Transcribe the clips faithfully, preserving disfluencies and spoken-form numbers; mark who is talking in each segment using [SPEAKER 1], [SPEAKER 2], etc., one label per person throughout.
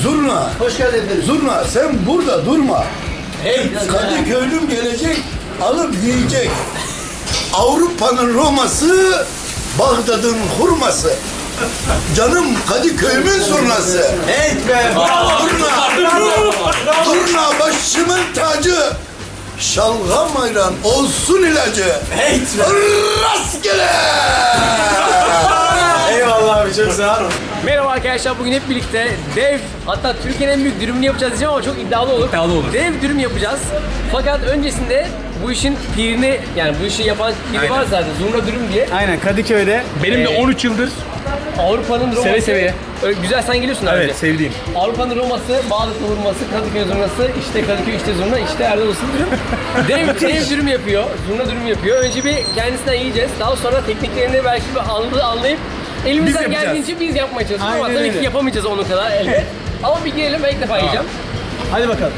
[SPEAKER 1] Zurna.
[SPEAKER 2] Hoş geldin efendim.
[SPEAKER 1] Zurna sen burada durma.
[SPEAKER 2] Hey,
[SPEAKER 1] Kadıköylüm gelecek, alıp yiyecek. Avrupa'nın Roma'sı, Bağdat'ın hurması. Canım Kadıköy'ümün zurnası.
[SPEAKER 2] hey be. Bravo.
[SPEAKER 1] Zurna, zurna başımın tacı. Şalgam ayran olsun ilacı.
[SPEAKER 2] Hey be.
[SPEAKER 1] Rastgele.
[SPEAKER 2] Eyvallah abi, çok sağ ol.
[SPEAKER 3] Merhaba arkadaşlar, bugün hep birlikte dev, hatta Türkiye'nin en büyük dürümünü yapacağız diyeceğim ama çok iddialı olur.
[SPEAKER 4] İddialı olur.
[SPEAKER 3] Dev dürüm yapacağız. Fakat öncesinde bu işin pirini, yani bu işi yapan piri
[SPEAKER 4] Aynen.
[SPEAKER 3] var zaten, Zurna Dürüm diye.
[SPEAKER 4] Aynen, Kadıköy'de. Benim de
[SPEAKER 3] Ee,
[SPEAKER 4] on üç yıldır.
[SPEAKER 3] Avrupa'nın Roma'sı.
[SPEAKER 4] Seve seve.
[SPEAKER 3] Öyle güzel, sen geliyorsun abi.
[SPEAKER 4] Evet, sevdiğim.
[SPEAKER 3] Avrupa'nın Roma'sı, Bağdat'ın hurması, Kadıköy zurnası, işte Kadıköy işte zurna, işte Erdal Usta dürüm. dev, dev dürüm yapıyor, zurna dürüm yapıyor. Önce bir kendisinden yiyeceğiz. Daha sonra tekniklerini belki bir anlı- anlayıp elimizden
[SPEAKER 4] yapacağız.
[SPEAKER 3] geldiğince biz yapmaya çalışacağız. Ama
[SPEAKER 4] Aynen
[SPEAKER 3] tabii ki
[SPEAKER 4] öyle.
[SPEAKER 3] yapamayacağız onun kadar elbet. Ama bir girelim, ben ilk defa yiyeceğim.
[SPEAKER 4] Hadi bakalım.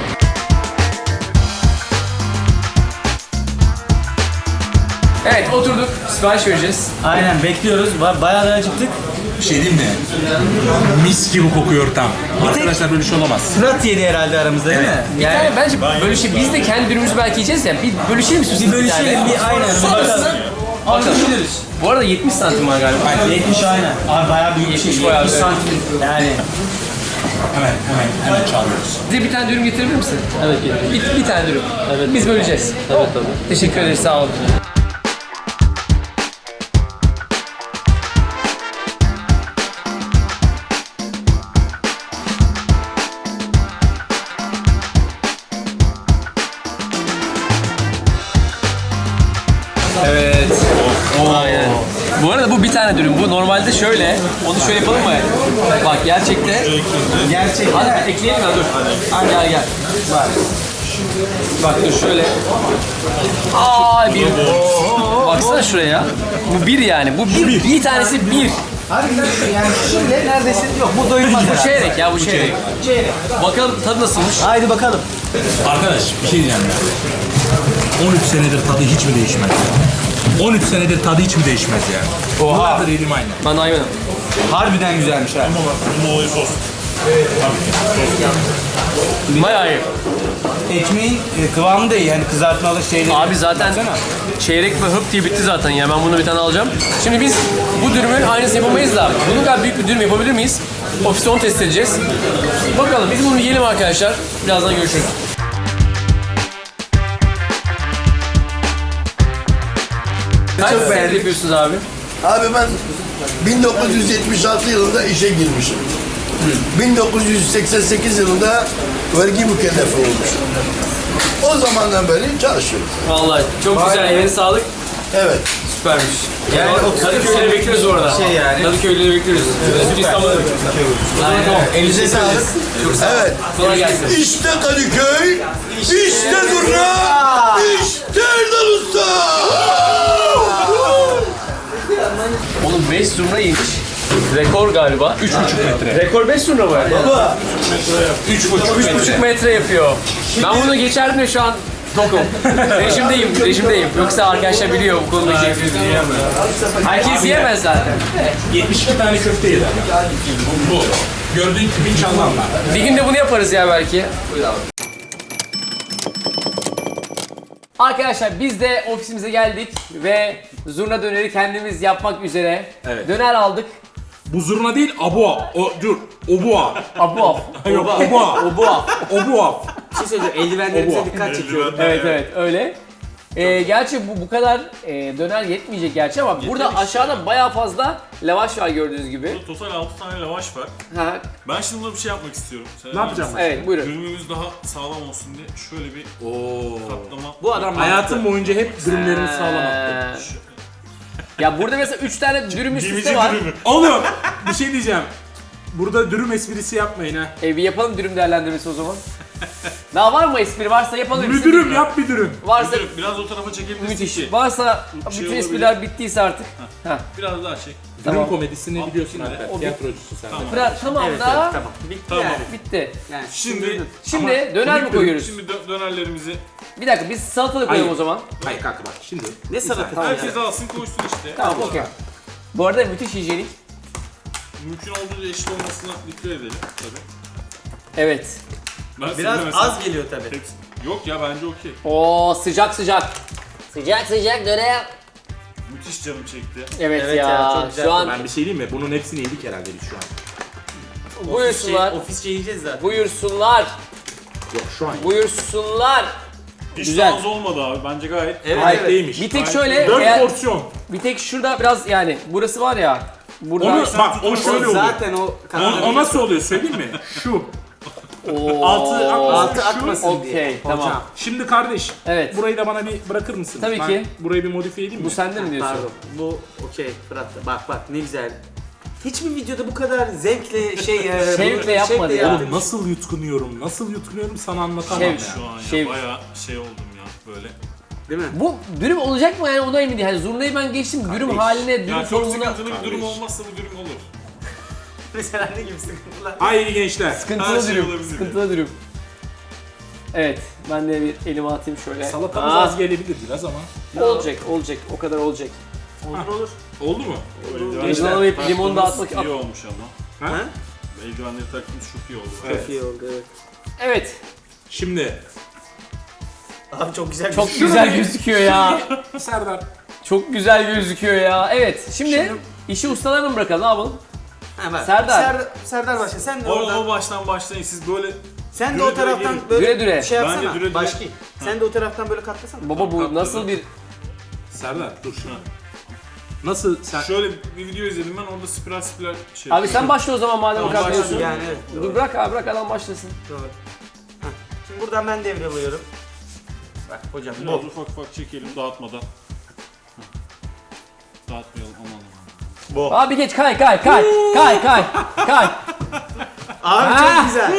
[SPEAKER 3] Evet, oturduk, sipariş vereceğiz.
[SPEAKER 5] Aynen, bekliyoruz. Ba- Bayağı da acıktık.
[SPEAKER 6] Bir şey diyeyim mi? Mis gibi kokuyor tam. Arkadaşlar böyle şey olamaz.
[SPEAKER 5] Fırat yedi herhalde aramızda, değil mi?
[SPEAKER 3] Bir tane bence bölüşe, biz de kendi dürümümüzü belki yiyeceğiz ya. Bir bölüşelim istiyorsunuz
[SPEAKER 5] Bir bölüşelim, bir aynen. Bir
[SPEAKER 3] Sonrasında
[SPEAKER 5] bakalım.
[SPEAKER 3] bakalım. Bu arada yetmiş santim var galiba.
[SPEAKER 5] yetmiş aynen. Abi bayağı büyük bir şey.
[SPEAKER 3] yetmiş bayağı
[SPEAKER 5] yetmiş
[SPEAKER 3] büyük.
[SPEAKER 5] santim. Yani.
[SPEAKER 6] Hemen hemen hemen çağırıyoruz.
[SPEAKER 3] Bize bir tane dürüm getirebilir misin? Evet, bir, bir tane dürüm. Evet. Biz böleceğiz. Evet, tabii. Teşekkür ederiz, sağ olun. Evet. Aynen. Bu arada bu bir tane dürüm. Bu normalde şöyle. Onu şöyle yapalım mı? Bak gerçekte.
[SPEAKER 5] Gerçekten.
[SPEAKER 3] Hadi ekleyelim ya, dur. Hadi gel gel. Bak. Bak dur şöyle. Aa bir. Baksana şuraya. Bu bir yani. Bu bir. Bir tanesi bir.
[SPEAKER 5] Harbiden yani şimdi neredeyse yok. Bu doyurmaz
[SPEAKER 3] Bu
[SPEAKER 5] herhalde.
[SPEAKER 3] çeyrek ya, bu çeyrek.
[SPEAKER 5] Çeyrek.
[SPEAKER 3] Bakalım tadı nasılmış.
[SPEAKER 5] Haydi bakalım.
[SPEAKER 6] Arkadaş bir şey diyeceğim ya. on üç senedir tadı hiç mi değişmez ya? on üç senedir tadı hiç mi değişmez ya?
[SPEAKER 5] Oha.
[SPEAKER 6] Yıllardır yedim aynı.
[SPEAKER 3] Ben daha yemedim.
[SPEAKER 5] Harbiden güzelmiş ha.
[SPEAKER 6] Bunun olayı sos.
[SPEAKER 3] Bayağı iyi.
[SPEAKER 5] Ekmeğin e, kıvamı da iyi. Yani kızartmalı şeyleri.
[SPEAKER 3] Abi zaten
[SPEAKER 5] Baksana.
[SPEAKER 3] çeyrek ve hıp diye bitti zaten ya. Ben bunu bir tane alacağım. Şimdi biz bu dürümün aynısını yapamayız da bunun kadar büyük bir dürüm yapabilir miyiz? Ofiste onu test edeceğiz. Bakalım, biz bunu yiyelim arkadaşlar. Birazdan görüşürüz. Kaç
[SPEAKER 1] Çok
[SPEAKER 3] senedir
[SPEAKER 1] beğendim.
[SPEAKER 3] yapıyorsunuz abi?
[SPEAKER 1] Abi ben bin dokuz yüz yetmiş altı yılında işe girmişim. bin dokuz yüz seksen sekiz yılında vergi mükellefi olmuşum. O zamandan beri çalışıyorum.
[SPEAKER 3] Vallahi çok güzel, eline sağlık.
[SPEAKER 1] Evet.
[SPEAKER 3] Süpermiş.
[SPEAKER 5] Yani
[SPEAKER 3] Yani
[SPEAKER 5] o
[SPEAKER 3] Kadıköy'de bekliyoruz orada.
[SPEAKER 5] Şey yani.
[SPEAKER 3] Kadıköy'de bekliyoruz. Evet, İstanbul'da bekliyoruz.
[SPEAKER 5] Aynen.
[SPEAKER 3] Tamam.
[SPEAKER 5] Elinize sağlık.
[SPEAKER 1] Evet.
[SPEAKER 3] Kolay gelsin.
[SPEAKER 1] İşte Kadıköy, işte Zurna, işte Erdal Usta.
[SPEAKER 3] Oğlum beş zurna yemiş. Rekor galiba. üç buçuk metre. Rekor beş zurna mı?
[SPEAKER 6] üç buçuk
[SPEAKER 3] üç buçuk metre yapıyor. Ben bunu geçerdim de şu an tokum. Rejimdeyim, rejimdeyim. Yoksa arkadaşlar biliyor bu konuda şey. Herkes yiyemez zaten.
[SPEAKER 6] yetmiş iki tane köfte yedi. Bu. Gördüğün gibi çalmanlar.
[SPEAKER 3] Bir gün de bunu yaparız ya belki. Arkadaşlar biz de ofisimize geldik ve zurna döneri kendimiz yapmak üzere.
[SPEAKER 6] Evet.
[SPEAKER 3] Döner aldık.
[SPEAKER 6] Bu zurna değil, abua. O, dur, obua.
[SPEAKER 3] Abu.
[SPEAKER 6] Yok, obua.
[SPEAKER 3] Obua.
[SPEAKER 6] Obua.
[SPEAKER 5] Bir şey söyleyeceğim. Eldivenlerimize
[SPEAKER 6] Oba.
[SPEAKER 5] dikkat çekiyorum.
[SPEAKER 3] Evet evet öyle. Ee, gerçi bu bu kadar e, döner yetmeyecek gerçi ama burada aşağıda bayağı fazla lavaş var gördüğünüz gibi.
[SPEAKER 7] Total altı tane lavaş var.
[SPEAKER 3] Ha,
[SPEAKER 7] Ben şimdi burada bir şey yapmak istiyorum. Sen
[SPEAKER 6] Ne yapacağım?
[SPEAKER 3] evet buyurun.
[SPEAKER 7] Dürümümüz daha sağlam olsun diye şöyle bir katlama.
[SPEAKER 5] Bu adam
[SPEAKER 6] Hayatım boyunca hep dürümlerimi sağlam
[SPEAKER 3] Ee, ya burada mesela üç tane dürüm üst üste
[SPEAKER 7] Gemici
[SPEAKER 3] var.
[SPEAKER 7] dürümü.
[SPEAKER 6] Oğlum bir şey diyeceğim. Burada dürüm esprisi yapmayın ha.
[SPEAKER 3] E, bir yapalım dürüm değerlendirmesi o zaman. Daha var mı espri? Varsa yapalım.
[SPEAKER 6] Bir dürüm yap bir dürüm.
[SPEAKER 3] Varsa
[SPEAKER 7] Dur, biraz o tarafa çekebilirsin
[SPEAKER 3] müthiş.
[SPEAKER 7] ki.
[SPEAKER 3] Varsa
[SPEAKER 7] şey
[SPEAKER 3] bütün
[SPEAKER 7] olabilir.
[SPEAKER 3] espriler bittiyse artık. Ha.
[SPEAKER 7] Biraz daha çek.
[SPEAKER 3] Tamam.
[SPEAKER 6] Dürüm komedisini biliyorsun
[SPEAKER 7] şimdi.
[SPEAKER 6] Alper.
[SPEAKER 3] O bir-
[SPEAKER 6] Tiyatrocusun sen.
[SPEAKER 7] Tamam.
[SPEAKER 3] Fırat tamam
[SPEAKER 5] Evet,
[SPEAKER 3] da
[SPEAKER 5] evet, tamam. Bitti
[SPEAKER 7] Tamam.
[SPEAKER 5] yani.
[SPEAKER 3] bitti.
[SPEAKER 5] Yani
[SPEAKER 7] Şimdi
[SPEAKER 3] Şimdi döner mi koyuyoruz?
[SPEAKER 7] Şimdi dö- dönerlerimizi
[SPEAKER 3] Bir dakika biz salatalık koyalım
[SPEAKER 6] Hayır.
[SPEAKER 3] o zaman.
[SPEAKER 6] Hayır kanka bak şimdi.
[SPEAKER 5] ne salatası
[SPEAKER 7] herkes alsın koysun işte.
[SPEAKER 3] Tamam okey. Bu arada müthiş hijyenik.
[SPEAKER 7] Mümkün olduğunca eşit olmasına dikkat edelim tabii.
[SPEAKER 3] Evet.
[SPEAKER 7] Ben
[SPEAKER 2] Biraz
[SPEAKER 7] sevmesem-
[SPEAKER 2] az geliyor tabii.
[SPEAKER 7] Hepsi- Yok ya bence okey.
[SPEAKER 3] Oo sıcak sıcak. Sıcak sıcak dönem.
[SPEAKER 7] Müthiş canım çekti.
[SPEAKER 3] Evet,
[SPEAKER 2] Evet
[SPEAKER 3] ya,
[SPEAKER 2] ya, çok güzel.
[SPEAKER 3] şu an
[SPEAKER 6] Ben bir şey diyeyim mi? Bunun hepsini yedik herhalde biz şu an.
[SPEAKER 3] buyursunlar.
[SPEAKER 2] Ofisçe, ofisçe yiyeceğiz zaten.
[SPEAKER 3] Buyursunlar.
[SPEAKER 6] Yok şu an.
[SPEAKER 3] Buyursunlar.
[SPEAKER 7] Hiç
[SPEAKER 3] Güzel.
[SPEAKER 7] az olmadı abi. Bence gayet.
[SPEAKER 2] Evet,
[SPEAKER 6] Gayet
[SPEAKER 2] evet.
[SPEAKER 6] değilmiş.
[SPEAKER 3] Bir tek
[SPEAKER 7] Gayet
[SPEAKER 3] şöyle,
[SPEAKER 6] Dört
[SPEAKER 3] eğer,
[SPEAKER 6] porsiyon.
[SPEAKER 3] bir tek şurada biraz yani burası var ya. Burada
[SPEAKER 6] Onu bak o şöyle oluyor.
[SPEAKER 2] Zaten o
[SPEAKER 6] O, o nasıl oluyor söyleyeyim mi? Şu.
[SPEAKER 3] Oo.
[SPEAKER 6] Altı akmasın.
[SPEAKER 2] altı
[SPEAKER 6] şu.
[SPEAKER 2] akmasın diye.
[SPEAKER 3] Okey, tamam.
[SPEAKER 2] Hocam.
[SPEAKER 6] Şimdi kardeş.
[SPEAKER 3] Evet.
[SPEAKER 6] Burayı da bana bir bırakır mısın?
[SPEAKER 3] Tabii
[SPEAKER 6] Ben
[SPEAKER 3] ki.
[SPEAKER 6] burayı bir modifiye edeyim mi?
[SPEAKER 3] Bu sende mi diyorsun?
[SPEAKER 2] Pardon. Bu okey Fırat da. Bak bak ne güzel. Hiçbir videoda bu kadar zevkle şey e,
[SPEAKER 3] Şevkle
[SPEAKER 2] bu-
[SPEAKER 3] yapmadı ya.
[SPEAKER 2] yaptığım
[SPEAKER 6] Oğlum nasıl yutkunuyorum, nasıl yutkunuyorum sana anlatamam
[SPEAKER 3] Şev-
[SPEAKER 6] ya.
[SPEAKER 7] Şu an ya
[SPEAKER 3] Şey-
[SPEAKER 7] bayağı şey oldum ya böyle.
[SPEAKER 2] değil mi?
[SPEAKER 3] Bu dürüm olacak mı yani ona emin değilim. Hani zurnayı ben geçtim dürüm haline, dürüm
[SPEAKER 7] Ya çok
[SPEAKER 3] formuna.
[SPEAKER 7] sıkıntılı bir durum olmazsa bu durum olur.
[SPEAKER 2] Mesela ne gibi sıkıntılar?
[SPEAKER 6] Haydi gençler.
[SPEAKER 7] Her
[SPEAKER 3] Sıkıntılı
[SPEAKER 7] şey
[SPEAKER 3] dürüm.
[SPEAKER 7] olabilir.
[SPEAKER 3] Sıkıntılı dürüm. Evet, ben de bir elime atayım şöyle.
[SPEAKER 6] Salatamız
[SPEAKER 3] Aa,
[SPEAKER 6] az gelebilir biraz ama.
[SPEAKER 3] olacak, olacak. O kadar olacak.
[SPEAKER 2] Olur olur.
[SPEAKER 6] Oldu mu?
[SPEAKER 3] Gençler, alayıp limonu da atmak-
[SPEAKER 7] iyi olmuş ama.
[SPEAKER 6] Ha?
[SPEAKER 2] Ha?
[SPEAKER 7] Eldivenleri taktığımız çok iyi oldu.
[SPEAKER 2] Çok iyi oldu evet.
[SPEAKER 3] Evet,
[SPEAKER 6] Şimdi
[SPEAKER 2] Abi çok güzel.
[SPEAKER 3] çok
[SPEAKER 2] bir-
[SPEAKER 3] güzel gözüküyor ya.
[SPEAKER 6] Serdar.
[SPEAKER 3] Çok güzel gözüküyor ya. Evet, şimdi işi ustalarına mı bırakalım, ne yapalım?
[SPEAKER 2] Ha, bak.
[SPEAKER 3] Serdar.
[SPEAKER 2] Serdar. Serdar başla. Sen de
[SPEAKER 7] O,
[SPEAKER 2] oradan.
[SPEAKER 7] o baştan başlayın siz böyle
[SPEAKER 2] Sen de
[SPEAKER 7] düre
[SPEAKER 2] o
[SPEAKER 7] düre
[SPEAKER 2] taraftan
[SPEAKER 7] gelin.
[SPEAKER 2] böyle
[SPEAKER 3] Düre düre.
[SPEAKER 2] şey
[SPEAKER 7] Bence
[SPEAKER 2] yapsana.
[SPEAKER 7] düre düre.
[SPEAKER 2] Başki. Sen de o taraftan böyle katlasana.
[SPEAKER 3] Baba bu nasıl bir...
[SPEAKER 6] Serdar dur şuna. Nasıl sen?
[SPEAKER 7] şöyle bir video izledim ben orada spiral spiral şey.
[SPEAKER 3] Abi sen başla o zaman madem o
[SPEAKER 7] Tamam,
[SPEAKER 3] kadar
[SPEAKER 7] başlayayım.
[SPEAKER 3] biliyorsun.
[SPEAKER 2] Yani evet.
[SPEAKER 3] Dur
[SPEAKER 2] Doğru.
[SPEAKER 3] bırak abi, bırak adam başlasın.
[SPEAKER 2] Doğru. Heh. Şimdi buradan ben devralıyorum. Bak hocam
[SPEAKER 7] Biraz
[SPEAKER 2] bu.
[SPEAKER 7] ufak ufak çekelim dağıtmadan. Heh. Dağıtmayalım aman aman.
[SPEAKER 3] Abi geç, kay kay kay kay kay kay.
[SPEAKER 2] Abi
[SPEAKER 3] Ha.
[SPEAKER 2] çok güzel.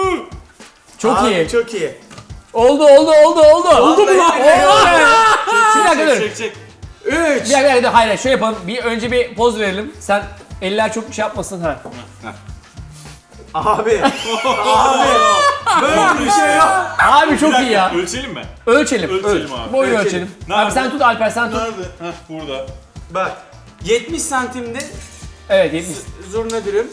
[SPEAKER 3] Çok
[SPEAKER 2] Abi
[SPEAKER 3] iyi.
[SPEAKER 2] çok iyi.
[SPEAKER 3] Oldu oldu oldu oldu. Oldu mu lan?
[SPEAKER 2] Vallahi
[SPEAKER 3] Bir dakika dur.
[SPEAKER 7] Çek çek.
[SPEAKER 2] üç.
[SPEAKER 3] Bir dakika, bir dakika, hayır şöyle yapalım. Bir önce bir poz verelim. Sen eller çok bir şey yapmasın ha.
[SPEAKER 2] Abi. Abi. Böyle bir şey yok.
[SPEAKER 3] Abi
[SPEAKER 7] Bir
[SPEAKER 3] çok iyi
[SPEAKER 7] dakika,
[SPEAKER 3] ya.
[SPEAKER 7] Ölçelim mi?
[SPEAKER 3] Ölçelim.
[SPEAKER 7] Ölçelim
[SPEAKER 3] Öl-
[SPEAKER 7] abi.
[SPEAKER 3] Boyu
[SPEAKER 2] Ölçelim.
[SPEAKER 3] ölçelim.
[SPEAKER 7] Nerede?
[SPEAKER 3] Abi sen tut Alper, sen tut.
[SPEAKER 7] Nerede? Heh burada.
[SPEAKER 2] Bak. yetmiş santimde
[SPEAKER 3] Evet yetmiş.
[SPEAKER 2] zurna dürüm.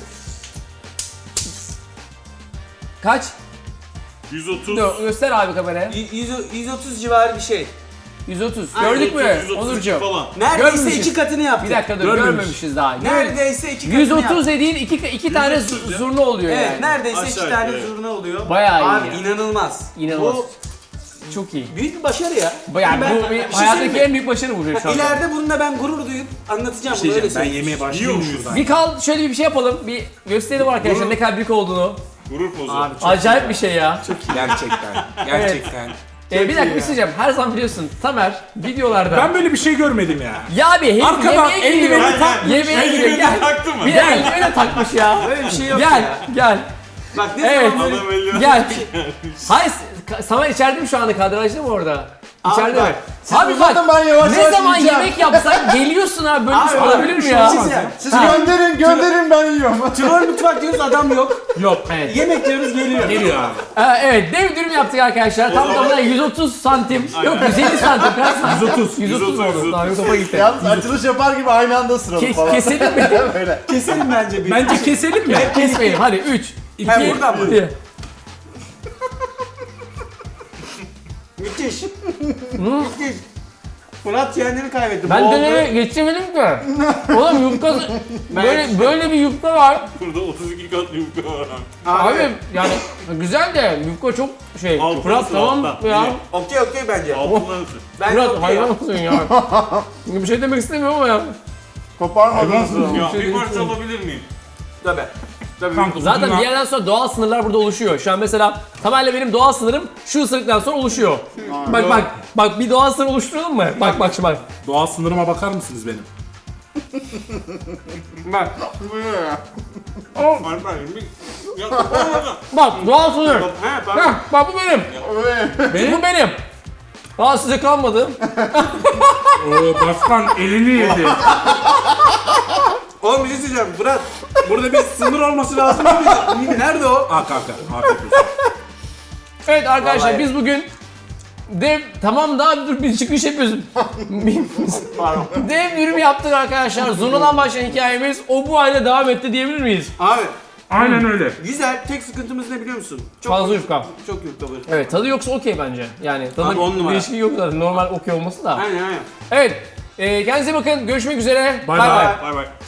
[SPEAKER 3] Kaç?
[SPEAKER 7] yüz otuz.
[SPEAKER 3] Dur, göster abi kameraya.
[SPEAKER 2] Y- yüz yüz otuz civarı bir şey.
[SPEAKER 3] yüz otuz.
[SPEAKER 2] Aynen,
[SPEAKER 3] Gördük mü
[SPEAKER 7] yüz otuz
[SPEAKER 3] Onurcuğum?
[SPEAKER 7] falan.
[SPEAKER 2] Neredeyse
[SPEAKER 3] Görmemişiz.
[SPEAKER 2] iki katını yaptı.
[SPEAKER 3] Bir dakika dur,
[SPEAKER 6] Görmemiş.
[SPEAKER 3] görmemişiz daha. Gör-
[SPEAKER 2] Neredeyse iki katını
[SPEAKER 3] yüz
[SPEAKER 2] yaptı.
[SPEAKER 3] otuz dediğin iki, iki tane
[SPEAKER 7] yüz otuz
[SPEAKER 3] zu-
[SPEAKER 7] ya.
[SPEAKER 3] zurna oluyor
[SPEAKER 2] Evet,
[SPEAKER 3] yani.
[SPEAKER 2] neredeyse
[SPEAKER 7] Aşağı
[SPEAKER 2] iki
[SPEAKER 7] yukarı,
[SPEAKER 2] tane
[SPEAKER 7] evet.
[SPEAKER 2] zurna oluyor.
[SPEAKER 3] Bayağı iyi
[SPEAKER 2] Abi
[SPEAKER 3] ya.
[SPEAKER 2] inanılmaz.
[SPEAKER 3] İnanılmaz.
[SPEAKER 2] Bu
[SPEAKER 3] Çok iyi.
[SPEAKER 2] büyük bir başarı ya.
[SPEAKER 3] Yani
[SPEAKER 2] Ben-
[SPEAKER 3] bu bir
[SPEAKER 2] bir şey
[SPEAKER 3] hayattaki
[SPEAKER 2] söyleyeyim mi?
[SPEAKER 3] en büyük başarı bu şu anda.
[SPEAKER 2] İleride bununla ben gurur duyup anlatacağım
[SPEAKER 6] Bir
[SPEAKER 2] bunu
[SPEAKER 6] şey
[SPEAKER 2] öyle
[SPEAKER 6] diyeceğim, ben
[SPEAKER 2] söyleyeyim.
[SPEAKER 6] yemeğe başlayayım
[SPEAKER 7] Yiyormuşuz.
[SPEAKER 6] şuradan.
[SPEAKER 3] Bir kal şöyle bir şey yapalım. Bir gösterelim arkadaşlar ne kadar büyük olduğunu.
[SPEAKER 7] Gurur pozu.
[SPEAKER 2] Abi çok
[SPEAKER 3] Acayip bir şey ya.
[SPEAKER 6] Gerçekten. Gerçekten.
[SPEAKER 3] Ee, bir dakika bir şey diyeceğim. Her zaman biliyorsun Tamer videolarda.
[SPEAKER 6] Ben böyle bir şey görmedim ya.
[SPEAKER 3] Ya abi hem
[SPEAKER 6] Arkadan
[SPEAKER 3] yemeğe
[SPEAKER 6] eldiveni
[SPEAKER 3] giriyor.
[SPEAKER 7] Gel, gel.
[SPEAKER 3] Yemeğe giriyor.
[SPEAKER 7] Eldiveni
[SPEAKER 3] Gel.
[SPEAKER 7] taktı mı?
[SPEAKER 3] Bir de eldiveni de takmış ya.
[SPEAKER 2] Böyle bir şey yok
[SPEAKER 3] Gel
[SPEAKER 2] ya.
[SPEAKER 3] gel.
[SPEAKER 2] Bak ne
[SPEAKER 3] Evet.
[SPEAKER 2] zaman böyle...
[SPEAKER 7] Adam eldiven
[SPEAKER 3] Gel. Hayır Ka- Samer içeride mi şu anda, kadrajda mı orada? İçeride
[SPEAKER 2] bak,
[SPEAKER 3] mi? Abi bak
[SPEAKER 1] uzatın, ben yavaş
[SPEAKER 3] ne
[SPEAKER 1] yavaş
[SPEAKER 3] zaman
[SPEAKER 1] yiyeceğim.
[SPEAKER 3] yemek yapsak geliyorsun abi, böyle bir şey
[SPEAKER 2] Abi,
[SPEAKER 3] olabilir mi
[SPEAKER 2] bir
[SPEAKER 3] ya?
[SPEAKER 2] şey diyeceğim.
[SPEAKER 1] Siz
[SPEAKER 3] Ha.
[SPEAKER 1] gönderin gönderin ben yiyorum.
[SPEAKER 2] Troll mutfak diyoruz adam yok.
[SPEAKER 3] Yok. Evet.
[SPEAKER 2] Yemek diyoruz geliyor.
[SPEAKER 6] Geliyor abi.
[SPEAKER 3] Ee, evet dev dürüm yaptık arkadaşlar. Tam tamına yüz otuz santim. Yok yüz elli santim. Kaç santim?
[SPEAKER 6] yüz otuz.
[SPEAKER 3] yüz otuz
[SPEAKER 7] yüz otuz,
[SPEAKER 3] oldu. Daha yok topa gitti.
[SPEAKER 1] Yalnız açılış yapar gibi aynı anda sıralım
[SPEAKER 3] Kes,
[SPEAKER 1] falan.
[SPEAKER 3] keselim mi?
[SPEAKER 1] Böyle.
[SPEAKER 2] Keselim bence bir.
[SPEAKER 6] Bence keselim mi?
[SPEAKER 3] Kesmeyelim. Hadi üç, iki,
[SPEAKER 2] Ha, buradan mı?
[SPEAKER 3] bir.
[SPEAKER 2] Müthiş. Müthiş. Fırat kendini kaybetti.
[SPEAKER 3] Ben
[SPEAKER 2] Boğuldu.
[SPEAKER 3] dönemi geçemedim ki. Oğlum yufka böyle böyle bir yufka var.
[SPEAKER 7] Burada otuz iki kat yufka var abi.
[SPEAKER 3] Abi yani güzel de yufka çok şey.
[SPEAKER 7] Altın
[SPEAKER 3] Fırat
[SPEAKER 7] olsun,
[SPEAKER 3] tamam
[SPEAKER 7] alttan.
[SPEAKER 3] ya.
[SPEAKER 7] İyi.
[SPEAKER 2] Okey okey bence.
[SPEAKER 7] Altından ısır.
[SPEAKER 2] Ben
[SPEAKER 3] Fırat
[SPEAKER 2] okey
[SPEAKER 3] hayvan
[SPEAKER 2] ya.
[SPEAKER 3] mısın ya? Bir şey demek istemiyorum ama ya.
[SPEAKER 1] Koparmadınız.
[SPEAKER 7] Ya bir parça alabilir miyim?
[SPEAKER 2] Tabii. Tabii.
[SPEAKER 6] Kanka,
[SPEAKER 3] Zaten
[SPEAKER 6] bunlar-
[SPEAKER 3] bir yerden sonra doğal sınırlar burada oluşuyor. Şu an mesela Tamer'le benim doğal sınırım şu ısırıktan sonra oluşuyor. Bak bak bak bir doğal sınır oluşturalım mı? Bak bak şimdi bak.
[SPEAKER 6] Doğal sınırıma bakar mısınız benim?
[SPEAKER 3] Bak.
[SPEAKER 7] Alper bir... Ya kapanmadan.
[SPEAKER 3] Bak doğal sınır.
[SPEAKER 2] He pardon.
[SPEAKER 3] Heh, bak bu benim.
[SPEAKER 6] Benim?
[SPEAKER 3] Bu benim. Daha size kalmadı.
[SPEAKER 6] Oo, başkan elini yedi.
[SPEAKER 2] Oğlum bir şey söyleyeceğim Fırat. Burada bir sınır olması lazım değil mi? Nerede o?
[SPEAKER 6] Aa kanka. Afiyet olsun.
[SPEAKER 3] Evet arkadaşlar
[SPEAKER 2] Vallahi.
[SPEAKER 3] biz bugün dev tamam daha dur bir çıkış yapıyoruz. dev dürüm yaptık arkadaşlar. Zurna'dan başlayan hikayemiz o bu hale devam etti diyebilir miyiz?
[SPEAKER 2] Abi
[SPEAKER 6] Aynen öyle.
[SPEAKER 2] Güzel. Tek sıkıntımız ne biliyor musun? Çok
[SPEAKER 3] Fazla yufka.
[SPEAKER 2] Çok yufka var.
[SPEAKER 3] Evet, tadı yoksa okey bence. Yani tadı
[SPEAKER 2] Abi, on numara.
[SPEAKER 3] değişikliği yok zaten. Normal okey olması da.
[SPEAKER 2] Aynen aynen.
[SPEAKER 3] Evet. E, kendinize bakın. Görüşmek üzere.
[SPEAKER 6] Bay
[SPEAKER 3] Bay
[SPEAKER 6] bay.
[SPEAKER 3] bay.
[SPEAKER 7] Bay bay.